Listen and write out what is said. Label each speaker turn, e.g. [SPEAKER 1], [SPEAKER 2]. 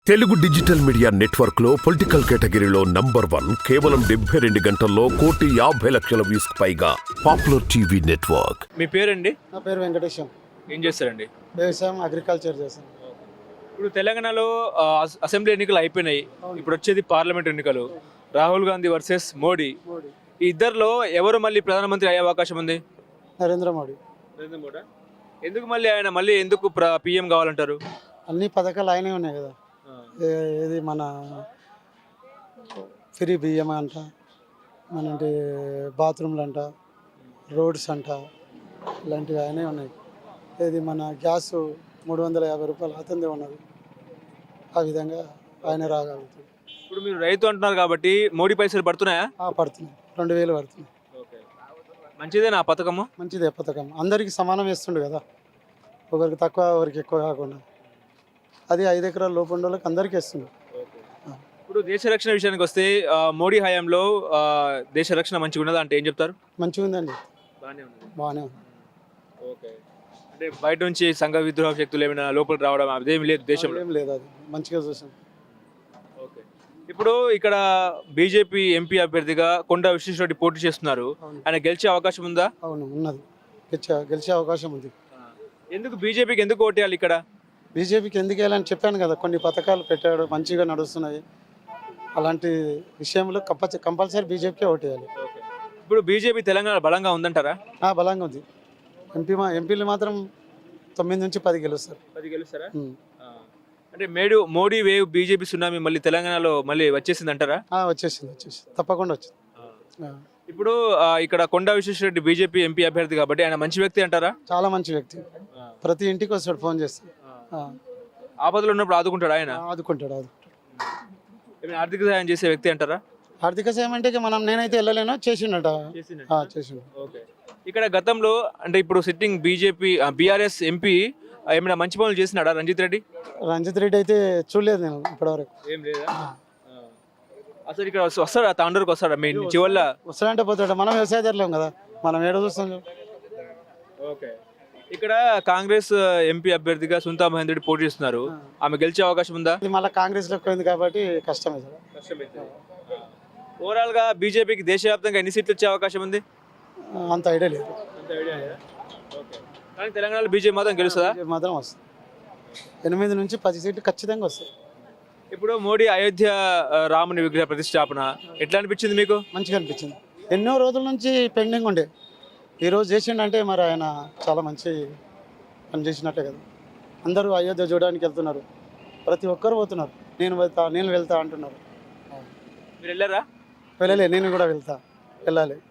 [SPEAKER 1] Telugu digital media network లో political కేటగిరీలో #1 కేవలం 72 గంటల్లో 1,50,00,000 వ్యూస్ పైగా పాపులర్ టీవీ నెట్వర్క్.
[SPEAKER 2] మీ పేరండి?
[SPEAKER 3] నా పేరు వెంకటేశం.
[SPEAKER 2] ఏం చేస్తారండి?
[SPEAKER 3] వ్యవసాయం, అగ్రికల్చర్ చేస్తాను.
[SPEAKER 2] ఇప్పుడు తెలంగాణలో అసెంబ్లీ ఎన్నికలు అయిపోయినాయి. ఇప్పుడు వచ్చేది పార్లమెంట్ ఎన్నికలు. రాహుల్ గాంధీ వర్సెస్ మోడీ. ఈ ఇద్దరిలో ఎవరు మళ్ళీ ప్రధానమంత్రి అయ్యే అవకాశం ఉంది?
[SPEAKER 3] నరేంద్ర మోడీ.
[SPEAKER 2] ఎందుకు మళ్ళీ ఎందుకు పిఎం కావాలంటారు?
[SPEAKER 3] అన్ని పథకాలు ఆయనే ఉన్నాయి కదా. ఇది మన ఫ్రీ బియ్యం అంట, మన బాత్రూమ్లు అంట, రోడ్స్ అంట, ఇలాంటివి ఆయనే ఉన్నాయి. ఇది మన గ్యాస్ 350 రూపాయలు అతనిదే ఉన్నది. ఆ విధంగా ఆయన రాగలుగుతుంది.
[SPEAKER 2] ఇప్పుడు మీరు రైతు అంటున్నారు కాబట్టి మోడీ పైసలు పడుతున్నాయా?
[SPEAKER 3] పడుతున్నాయి, 2,000 పడుతున్నాయి.
[SPEAKER 2] మంచిదేనా ఆ పథకము?
[SPEAKER 3] మంచిదే పథకం. అందరికీ సమానం వేస్తుండు కదా, ఒకరికి తక్కువ ఒకరికి ఎక్కువ కాకుండా. అది 5 ఎకరాల లోపు ఉన్న వాళ్ళకి అందరికీ ఇస్తుంది.
[SPEAKER 2] ఇప్పుడు దేశ రక్షణ విషయానికి వస్తే మోడీ హయాంలో దేశ రక్షణ మంచిగా ఉన్నదా అంటే ఏం చెప్తారు?
[SPEAKER 3] మంచిగా ఉందండి, బాగానే ఉంది.
[SPEAKER 2] ఓకే, అంటే బయట నుంచి సంఘ విద్రోహ శక్తులు ఏమైనా లోపలికి రావడం అదేమి లేదు దేశంలో?
[SPEAKER 3] ఏం లేదు, అది మంచిగా చూసాం.
[SPEAKER 2] ఓకే, ఇప్పుడు ఇక్కడ బీజేపీ ఎంపీ అభ్యర్థిగా కొండా విశ్వేశ్వరరెడ్డి పోటీ చేస్తున్నారు. ఆయన గెలిచే అవకాశం ఉందా?
[SPEAKER 3] అవును, ఉన్నది. గెలిచే అవకాశం ఉంది.
[SPEAKER 2] ఎందుకు బీజేపీకి ఎందుకు ఓటేయాలి ఇక్కడ?
[SPEAKER 3] బీజేపీకి ఎందుకు వెళ్ళాలని చెప్పాను కదా, కొన్ని పథకాలు పెట్టాడు, మంచిగా నడుస్తున్నాయి. అలాంటి విషయంలో కంపల్సరీ బీజేపీకే ఓటేయాలి.
[SPEAKER 2] ఇప్పుడు బీజేపీ తెలంగాణ బలంగా ఉందంటారా?
[SPEAKER 3] బలంగా ఉంది. ఎంపీలు మాత్రం 9 నుంచి 10 గెలుస్తారు.
[SPEAKER 2] 10 గెలుస్తారా? అంటే మోడీ వేవ్ బీజేపీ సునామీ మళ్ళీ తెలంగాణలో మళ్ళీ వచ్చేసింది అంటారా?
[SPEAKER 3] వచ్చేసింది, తప్పకుండా వచ్చింది.
[SPEAKER 2] ఇప్పుడు ఇక్కడ కొండా విశ్వేశ్వరరెడ్డి బీజేపీ ఎంపీ అభ్యర్థి కాబట్టి ఆయన మంచి వ్యక్తి అంటారా?
[SPEAKER 3] చాలా మంచి వ్యక్తి. ప్రతి ఇంటికి వస్తాడు, ఫోన్ చేస్తాడు.
[SPEAKER 2] ఆపదలో ఉన్నప్పుడు ఆదుకుంటాడు ఆయన?
[SPEAKER 3] ఆదుకుంటాడు.
[SPEAKER 2] ఆర్థిక సహాయం చేసే వ్యక్తి అంటారా?
[SPEAKER 3] ఆర్థిక సాయం అంటే నేనైతే వెళ్ళలేను, చేసిండట.
[SPEAKER 2] ఇక్కడ గతంలో అంటే ఇప్పుడు సిట్టింగ్ బీఆర్ఎస్ ఎంపీ ఏమైనా మంచి పనులు చేసినాడా రంజిత్ రెడ్డి
[SPEAKER 3] అయితే చూడలేదు నేను ఇప్పటివరకు.
[SPEAKER 2] ఏం లేదా? అసలు ఇక్కడ వస్తాడా? తాండూరుకి వస్తాడా? మీ చివల్ల
[SPEAKER 3] వస్తాడంటే పోతాడు. మనం వ్యవసాయదారులం కదా, మనం ఏడో చూస్తాం.
[SPEAKER 2] ఓకే, ఇక్కడ కాంగ్రెస్ ఎంపీ అభ్యర్థిగా సునీతా మహేందర్ రెడ్డి పోటీ చేస్తున్నారు. ఆమె గెలిచే అవకాశం ఉందా?
[SPEAKER 3] మళ్ళీ కాంగ్రెస్ లో పోయింది కాబట్టి కష్టమే.
[SPEAKER 2] ఓవరాల్ గా బీజేపీకి దేశవ్యాప్తంగా ఎన్ని సీట్లు వచ్చే అవకాశం ఉంది?
[SPEAKER 3] అంత ఐడియా లేదు.
[SPEAKER 2] కానీ తెలంగాణలో బీజేపీ మాత్రం గెలుస్తుందా?
[SPEAKER 3] మాత్రం వస్తుంది. 8 నుంచి 10 సీట్లు ఖచ్చితంగా వస్తాయి.
[SPEAKER 2] ఇప్పుడు మోడీ అయోధ్య రాముని విగ్రహ ప్రతిష్టాపన ఎట్లా అనిపించింది మీకు?
[SPEAKER 3] మంచిగా అనిపించింది. ఎన్నో రోజుల నుంచి పెండింగ్ ఉండే, ఈరోజు చేసిండంటే మరి ఆయన చాలా మంచి పని చేసినట్టే కదా. అందరూ అయోధ్య చూడడానికి వెళ్తున్నారు, ప్రతి ఒక్కరు పోతున్నారు. నేను వెళ్తా అంటున్నారు.
[SPEAKER 2] మీరు వెళ్ళారా?
[SPEAKER 3] వెళ్ళలే, నేను కూడా వెళ్ళాలి.